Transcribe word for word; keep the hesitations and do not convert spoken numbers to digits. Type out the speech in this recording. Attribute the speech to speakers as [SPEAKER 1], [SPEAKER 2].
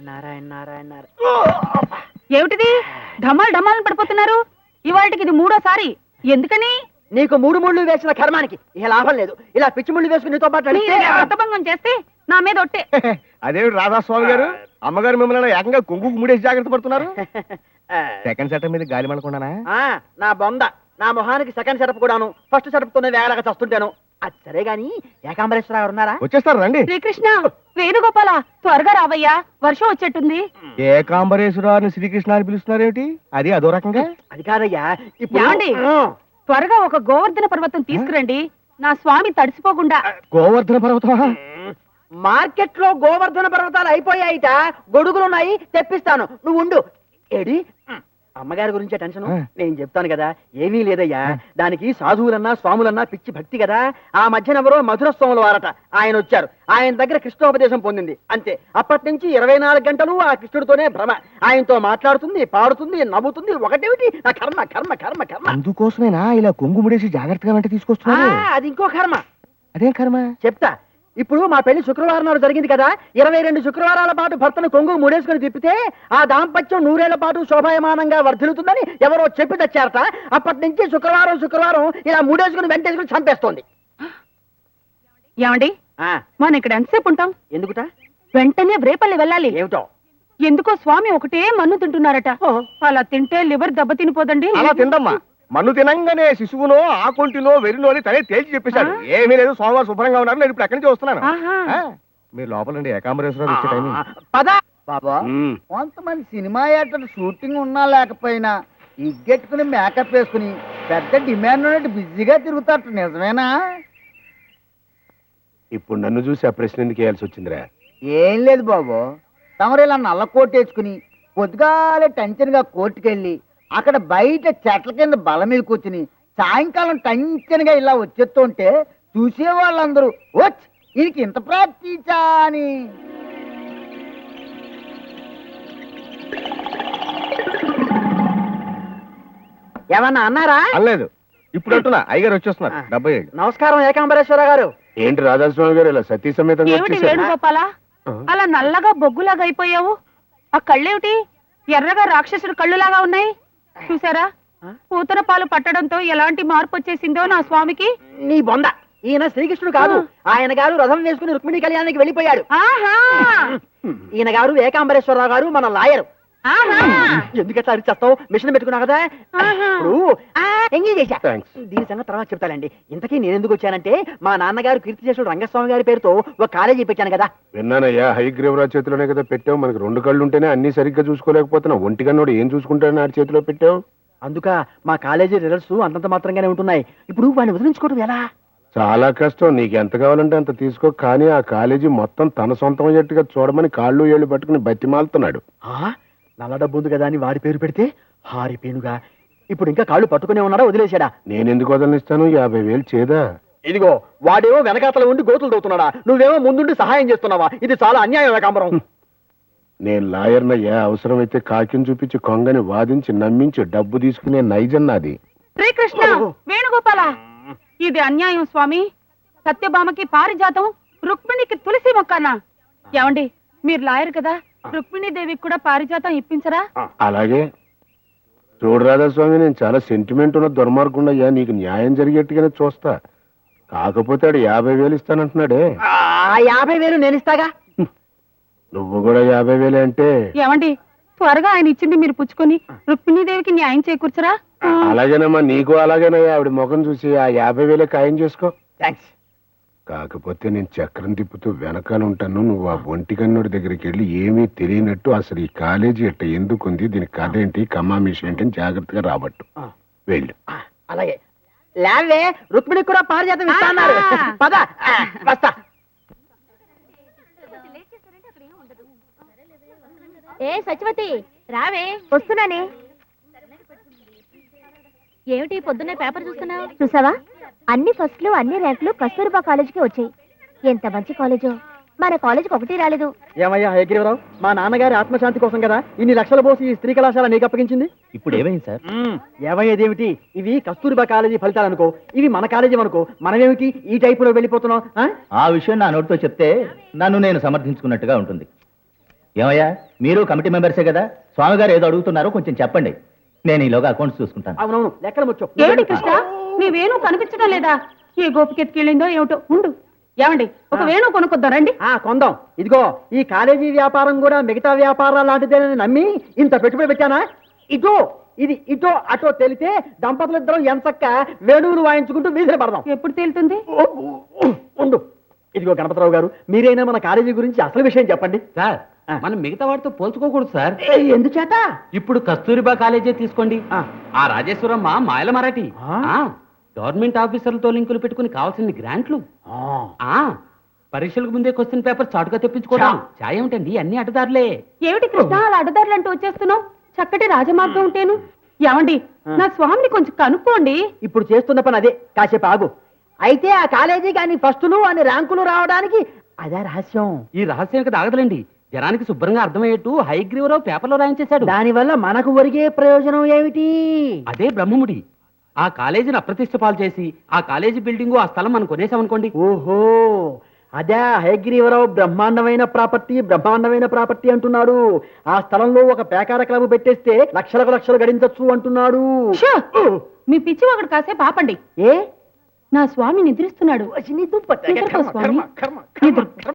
[SPEAKER 1] నారాయణ నారాయణ నారాయణ.
[SPEAKER 2] ఏమిటిది ఢమాల్ ఢమాల్ పడిపోతున్నారు? ఇవాళకి ఇది మూడోసారి. ఎందుకని?
[SPEAKER 1] నీకు మూడు ముళ్ళు వేసిన కర్మానికి ఇక లాభం లేదు. ఇలా పిచ్చి ముళ్ళు వేసుకుని నీతో పాటు
[SPEAKER 2] వ్రతభంగం చేస్తే నా మీద ఒట్టే.
[SPEAKER 3] అదేమిటి రాధాస్వామి గారు, అమ్మగారు మిమ్మల్ని ఏకంగా కొంగుకు ముడేసి జాగ్రత్త పడుతున్నారు. సెకండ్ సెటప్ మీద గాలి మనకుండానా?
[SPEAKER 1] నా బొంద, నా మొహానికి సెకండ్ సెటప్ కూడాను. ఫస్ట్ సెటప్ తోనే వేగలాగా చస్తుంటాను. అది సరే గాని ఏకాంబరేశ్వర గారు ఉన్నారా?
[SPEAKER 3] వచ్చేస్తారు రండి.
[SPEAKER 2] శ్రీకృష్ణ, వేణుగోపాల, త్వరగా రావయ్యా, వర్షం వచ్చేట్టుంది.
[SPEAKER 3] ఏకాంబరేశ్వరాన్ని శ్రీకృష్ణ అని పిలుస్తున్నారేమిటి? అది అదో రకంగా.
[SPEAKER 1] అది కాదయ్యా,
[SPEAKER 2] ఏమండి? త్వరగా ఒక గోవర్ధన పర్వతం తీసుకురండి, నా స్వామి తడిసిపోకుండా.
[SPEAKER 3] గోవర్ధన పర్వతం?
[SPEAKER 1] మార్కెట్ లో గోవర్ధన పర్వతాలు అయిపోయాయిట, గొడుగులున్నాయి, తెప్పిస్తాను, నువ్వు ఉండు. ఏడి అమ్మగారి గురించే టెన్షన్. నేను చెప్తాను కదా, ఏమీ లేదయ్యా. దానికి సాధువులన్నా స్వాములన్నా పిచ్చి భక్తి కదా. ఆ మధ్యన ఎవరో మధుర స్వాముల వారట, ఆయన వచ్చారు. ఆయన దగ్గర కృష్ణోపదేశం పొందింది అంతే. అప్పటి నుంచి ఇరవై నాలుగు గంటలు ఆ కృష్ణుడితోనే భ్రమ. ఆయనతో మాట్లాడుతుంది, పాడుతుంది, నవ్వుతుంది. ఒకటేమిటి నా కర్మ కర్మ కర్మ కర్మ.
[SPEAKER 3] అందుకోసమేనా ఇలా కొంగు ముడేసి జాగ్రత్తగా వెంట తీసుకొస్తున్నా?
[SPEAKER 1] అది ఇంకో కర్మ.
[SPEAKER 3] అదేం కర్మ?
[SPEAKER 1] చెప్తా. ఇప్పుడు మా పెళ్లి శుక్రవారం నాడు జరిగింది కదా. ఇరవై రెండు శుక్రవారాల పాటు భర్తను కొంగు ముడేసుకుని తిప్పితే ఆ దాంపత్యం నూరేళ్ల పాటు శోభాయమానంగా వర్ధిల్లుతుందని ఎవరో చెప్పి తెచ్చారట. అప్పటి నుంచి శుక్రవారం శుక్రవారం ఇలా ముడేసుకుని వెంటేసుకుని చంపేస్తోంది.
[SPEAKER 2] ఏమండి, మనం ఇక్కడ ఎంతసేపు ఉంటాం?
[SPEAKER 1] ఎందుకుట?
[SPEAKER 2] వెంటనే రేపల్లి వెళ్ళాలి.
[SPEAKER 1] ఏమిటో
[SPEAKER 2] ఎందుకో స్వామి ఒకటే మన్ను తింటున్నారట. అలా తింటే లివర్ దెబ్బ తినిపోదండి.
[SPEAKER 3] అలా తిందమ్మా. మన్ను తినంగానే శిశువునో ఆకుంటిలో వెరినో అని తనే తేల్చి చెప్పేశాడు. ఏమీ లేదు, సోమవారం శుభ్రంగా ఉన్నారు. నేను ఇప్పుడు ఎక్కడి నుంచి వస్తున్నాను. మీరు లోపలండి, ఏకాంబరేశ్వరం వచ్చే టైం.
[SPEAKER 1] పదా
[SPEAKER 4] బాబా, కొంతమంది సినిమా యాక్టర్ షూటింగ్ ఉన్నా లేకపోయినా ఇగ్గెట్టుకుని మేకప్ వేసుకుని పెద్ద డిమాండ్ ఉన్నట్టు బిజీగా తిరుగుతారు. నిజమేనా?
[SPEAKER 3] ఇప్పుడు నన్ను చూసి ఆ ప్రశ్న ఎందుకు వేయాల్సి వచ్చిందిరా?
[SPEAKER 4] ఏం లేదు బాబు, తమరు ఇలా నల్ల కోట్ వేసుకుని పొద్దుగాలే టెన్షన్ గా కోర్టుకెళ్ళి అక్కడ బయట చెట్ల కింద బల మీద కూర్చుని సాయంకాలం టెన్షన్ గా ఇలా వచ్చేస్తుంటే చూసే వాళ్ళందరూ వచ్చి ఈయనకి ఇంత ప్రాక్టీసా అని.
[SPEAKER 1] ఏమన్నా అన్నారా?
[SPEAKER 3] అనలేదు. ఇప్పుడు అంటున్నా, అయ్యగారు వచ్చేస్తున్నారు. డెబ్బై ఐదు.
[SPEAKER 1] నమస్కారం ఏకాంబరేశ్వర గారు.
[SPEAKER 3] ఏంటి రాధాస్వామి గారు ఇలా సతీ సమేతంగా
[SPEAKER 2] ఏమిటి వేణుగోపాల, అలా నల్లగా బొగ్గులాగా అయిపోయావు? ఆ కళ్ళేమిటి ఎర్రగా రాక్షసుడు కళ్ళులాగా ఉన్నాయి? చూసారా, పూతన పాలు పట్టడంతో ఎలాంటి మార్పు వచ్చేసిందో నా స్వామికి.
[SPEAKER 1] నీ బొంద, ఈయన శ్రీకృష్ణుడు కాదు. ఆయన గారు రథం వేసుకుని రుక్మిణి కళ్యాణానికి వెళ్ళిపోయాడు. ఈయన గారు ఏకాంబరేశ్వరరావు గారు, మన లాయరు. ఎందుకట్లా అరిచేస్తావు? మిషన్ పెట్టుకున్నా కదా. ఎంగేజ్ చేశా. దీని సంగతి తర్వాత చెప్తానండి. ఇంతకీ నేను ఎందుకు వచ్చానంటే, మా నాన్నగారు కీర్తిశేషుడు రంగస్వామి గారి పేరుతో ఒక కాలేజీ పెట్టాను కదా.
[SPEAKER 3] విన్నానయ్యా, హైగ్రీవరాజ్ చేతిలోనే కదా పెట్టావు. మనకి రెండు కళ్ళు ఉంటేనే అన్ని సరిగ్గా చూసుకోలేకపోతున్నావు. ఒంటి కన్నోడు ఏం చూసుకుంటాడని ఆడి చేతిలో పెట్టావు.
[SPEAKER 1] అందుక మా కాలేజీ రిజల్ట్స్ అంతంత మాత్రంగానే ఉంటున్నాయి. ఇప్పుడు వాడిని వదిలించుకోవడం ఎలా?
[SPEAKER 3] చాలా కష్టం. నీకు ఎంత కావాలంటే అంత తీసుకో, కానీ ఆ కాలేజీ మొత్తం తన సొంతం అయ్యేట్టుగా చూడమని కాళ్ళు ఏళ్ళు పట్టుకుని బతిమాలుతున్నాడు.
[SPEAKER 1] నల్ల డబ్బు ఉంది కదా అని వాడి పేరు పెడితే హారి పేనుగా ఇప్పుడు ఇంకా కాళ్ళు పట్టుకునే ఉన్నాడా, వదిలేశాడా?
[SPEAKER 3] నేనెందుకు వదలనిస్తాను? యాభై వేలు చేదా?
[SPEAKER 1] ఇదిగో వాడేమో వెనకాతల ఉండి గోతులు దవుతున్నాడా, నువ్వేమో ముందుండి సహాయం చేస్తున్నావా? ఇది చాలా అన్యాయం ఏకాంబరం.
[SPEAKER 3] నేను లాయర్నయ్యా. అవసరమైతే కాకిని చూపించి కొంగని వాదించి నమ్మించి డబ్బు తీసుకునే నైజం నాది.
[SPEAKER 2] శ్రీకృష్ణ, వేణుగోపాల, ఇది అన్యాయం స్వామి. సత్యభామకి పారిజాతం, రుక్మిణికి తులసి మొక్కనా? ఏమండి, మీరు లాయర్ కదా, రుక్మిణీదేవికి కూడా పారిజాతం ఇప్పించరా?
[SPEAKER 3] అలాగే. చూడు రాధాస్వామి, నేను చాలా సెంటిమెంట్ ఉన్న దుర్మార్గుండయ్యా. నీకు న్యాయం జరిగేట్టుగానే చూస్తా. కాకపోతే ఆడు యాభై వేలు ఇస్తానంటున్నాడే.
[SPEAKER 1] యాభై వేలు నేను ఇస్తాగా.
[SPEAKER 3] నువ్వు కూడా యాభై వేలే అంటే?
[SPEAKER 2] ఏమండి, త్వరగా ఆయన ఇచ్చింది మీరు పుచ్చుకొని రుక్మిణీదేవికి న్యాయం చేకూర్చరా?
[SPEAKER 3] అలాగేనమ్మా, నీకు అలాగేనయ్యా. ఆవిడ ముఖం చూసి ఆ యాభై వేలే ఖాయం చేసుకో.
[SPEAKER 1] థ్యాంక్స్.
[SPEAKER 3] కాకపోతే నేను చక్రం తిప్పుతూ వెనకాల ఉంటాను. నువ్వు ఆ ఒంటి కన్నుడి దగ్గరికి వెళ్ళి ఏమీ తెలియనట్టు అసలు ఈ కాలేజీ ఎట్ట ఎందుకుంది, దీని కథ ఏంటి, కమామిషి ఏంటి అని జాగ్రత్తగా రాబట్టు. వెళ్ళు.
[SPEAKER 1] అలాగే. లేవే, రుక్మిణికి కూడా పారిజాతం ఇస్తా అన్నారు. పద, వస్తా.
[SPEAKER 5] ఏ సత్యవతి, రావే. వస్తున్నానే. ఏమిటి పొద్దున్నే పేపర్ చూస్తున్నావు? చూసావా, అన్ని ఫస్ట్లు అన్ని ర్యాంకులు కస్తూర్బా కాలేజీకి వచ్చాయి. ఎంత మంచి కాలేజో. మన కాలేజీకి ఒకటి రాలేదు.
[SPEAKER 1] ఏమయ్యా హయగ్రీవరావు, మా నాన్నగారి ఆత్మశాంతి కోసం కదా ఇన్ని లక్షల పోసి ఈ స్త్రీ కళాశాల నీకు అప్పగించింది.
[SPEAKER 6] ఇప్పుడు ఏమైంది సార్?
[SPEAKER 1] ఏమయ్యేదేమిటి? ఇవి కస్తూర్బా కాలేజీ ఫలితాలు అనుకో, ఇవి మన కాలేజీ అనుకో. మనమేమిటి ఈ టైపులో వెళ్ళిపోతున్నాం?
[SPEAKER 6] ఆ విషయం నా నోటితో చెప్తే నన్ను నేను సమర్థించుకున్నట్టుగా ఉంటుంది. ఏమయ్యా, మీరు కమిటీ మెంబర్సే కదా, స్వామి గారు ఏదో అడుగుతున్నారో కొంచెం చెప్పండి, నేను ఈలోగా అకౌంట్స్ చూసుకుంటాను.
[SPEAKER 1] అవునవును, లెక్కలు ముచ్చు.
[SPEAKER 2] ఏమిటి కృష్ణ నీ వేణు కనిపించడం లేదా? ఏ గోపికెత్తికెళ్ళిందో ఏమిటో. ఉండు, ఏమండి ఒక వేణు కొనుక్కొద్దాం రండి.
[SPEAKER 1] ఆ కొందాం. ఇదిగో ఈ కాలేజీ వ్యాపారం కూడా మిగతా వ్యాపారాలు లాంటిదేనని నమ్మి ఇంత పెట్టుబడి పెట్టానా? ఇటో ఇది ఇటో అటో తెలితే దంపతులు ఇద్దరం ఎంచక్క వేణువులు వాయించుకుంటూ వీధిని పడదాం.
[SPEAKER 2] ఎప్పుడు తేలుతుంది?
[SPEAKER 1] ఉండు. ఇదిగో గణపతిరావు గారు, మీరైనా మన కాలేజీ గురించి అసలు విషయం చెప్పండి.
[SPEAKER 7] సార్ మనం మిగతా వాటితో పోల్చుకోకూడదు సార్.
[SPEAKER 1] ఏ, ఎందుచేత?
[SPEAKER 7] ఇప్పుడు కస్తూరిబా కాలేజే తీసుకోండి.
[SPEAKER 1] ఆ.
[SPEAKER 7] ఆ రాజేశ్వరమ్మ మాయల మరాఠీ
[SPEAKER 1] ఆ?
[SPEAKER 7] ఆ, గవర్నమెంట్ ఆఫీసర్లతో లింకులు పెట్టుకుని కావాల్సిన గ్రాంట్లు.
[SPEAKER 1] ఆ,
[SPEAKER 7] ఆ పరీక్షలకు ముందే క్వశ్చన్ పేపర్ చాటుగా తెప్పించుకోవడం. ఛాయ్ ఏమిటండి, అన్ని అడ్డదారులే.
[SPEAKER 2] ఏమిటి కృష్ణ అలా అడ్డదారులు అంటూ వచ్చేస్తున్నావు? చక్కటి రాజమార్గం ఉంటేను. ఏమండి నా స్వామిని కొంచెం కనుక్కోండి.
[SPEAKER 1] ఇప్పుడు చేస్తున్న పని అదే. కాసేపు ఆగు. అయితే ఆ కాలేజీ కానీ ఫస్టులు అని ర్యాంకులు రావడానికి అదే రహస్యం.
[SPEAKER 7] ఈ రహస్యం కదా ఆగదులేండి, జనానికి శుభ్రంగా అర్థమయ్యేట్టు హైగ్రీవరావు పేపర్లో రాయించేశాడు.
[SPEAKER 1] దానివల్ల మనకు ఒరిగే ప్రయోజనం ఏమిటి?
[SPEAKER 7] అదే బ్రహ్మముడి. ఆ కాలేజీని అప్రతిష్ట పాలు చేసి ఆ కాలేజీ బిల్డింగు ఆ స్థలం మనం కొనేసామనుకోండి.
[SPEAKER 1] ఓహో, అదే హయగ్రీవరావు బ్రహ్మాండమైన ప్రాపర్టీ బ్రహ్మాండమైన ప్రాపర్టీ అంటున్నాడు. ఆ స్థలంలో ఒక పేకార క్లబ్ పెట్టేస్తే లక్షలకు లక్షలు గడించొచ్చు అంటున్నాడు.
[SPEAKER 2] షో! మీ పిచ్చి ఒకటి కాసేపు ఆపండి.
[SPEAKER 1] ఏ
[SPEAKER 2] నా స్వామి నిద్రిస్తున్నాడు.
[SPEAKER 1] నీ దుప్పటి.
[SPEAKER 2] నిద్రపో స్వామి.
[SPEAKER 1] కర్మ, కర్మ, కర్మ,
[SPEAKER 2] నిద్ర.
[SPEAKER 1] కర్మ.